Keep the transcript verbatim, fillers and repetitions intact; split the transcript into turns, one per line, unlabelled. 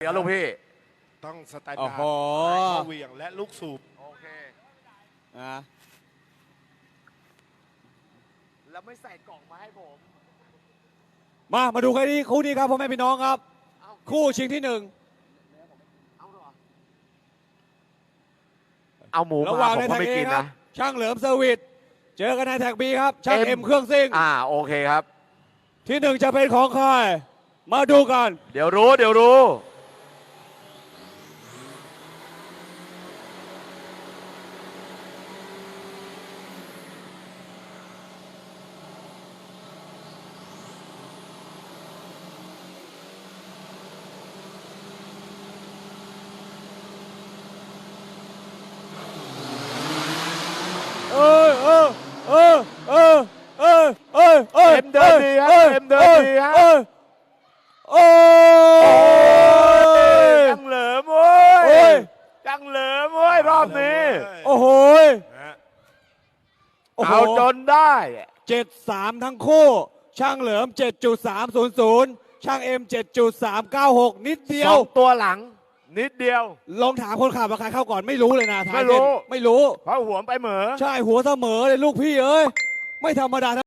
ดี๋ยวลูกพี่
ต้องสแตน
โอ้
ดาร์
โห
ดเหวี่ยงและลูกสูบ
โอเค
นะ
แล้วไม่ใส่กล่องมาให้ผม
มามาดูกันที่คู่นี้ครับพ่อแม่พี่น้องครับ
เอา
คู่ชิงที่หนึ่ง
เอาเหรอเอาหมู
ระห
มา
ว่าง
ผม
ใน
ก็
แท็ก
ไม่
เอ
กิน
ครั
นะ
บช่างเหลิมเซอร์วิสเจอกันในแท็กบีครับช่าง
เอ็
เอ็
ม
มเครื่องซิ่ง
อ่าโอเคครับ
ที่หนึ่งจะเป็นของใครมาดูกัน
เดี๋ยวรู้เดี๋ยวรู้
เออเออเออเออเออเออเออ
เอ็มเดินดีฮะเอ็มเดินดีฮะ
เออโอ้ย
จังเหลิมโว้
โอ้
ย
ย
จังเหลิมโว้ยรอบนี้
โอ้โห
นะฮะ
โอ้โห
เอาจนได้
เจ็ดสามทั้งคู่ ช่างเหลิม เจ็ดจุดสามศูนย์ศูนย์ ช่างเอ็ม เจ็ดจุดสามเก้าหก นิดเดีย
ส
ว
องตัวหลัง นิดเดียว
ลองถามคนขับว่าใครเข้าก่อนไม่รู้เลยนะท้าย
ไม่รู้
เส้นไม่รู้
เพราะหัวไปเหมือ
ใช่หัวเสมอเลยลูกพี่เอ้ย ไม่ธรรมดา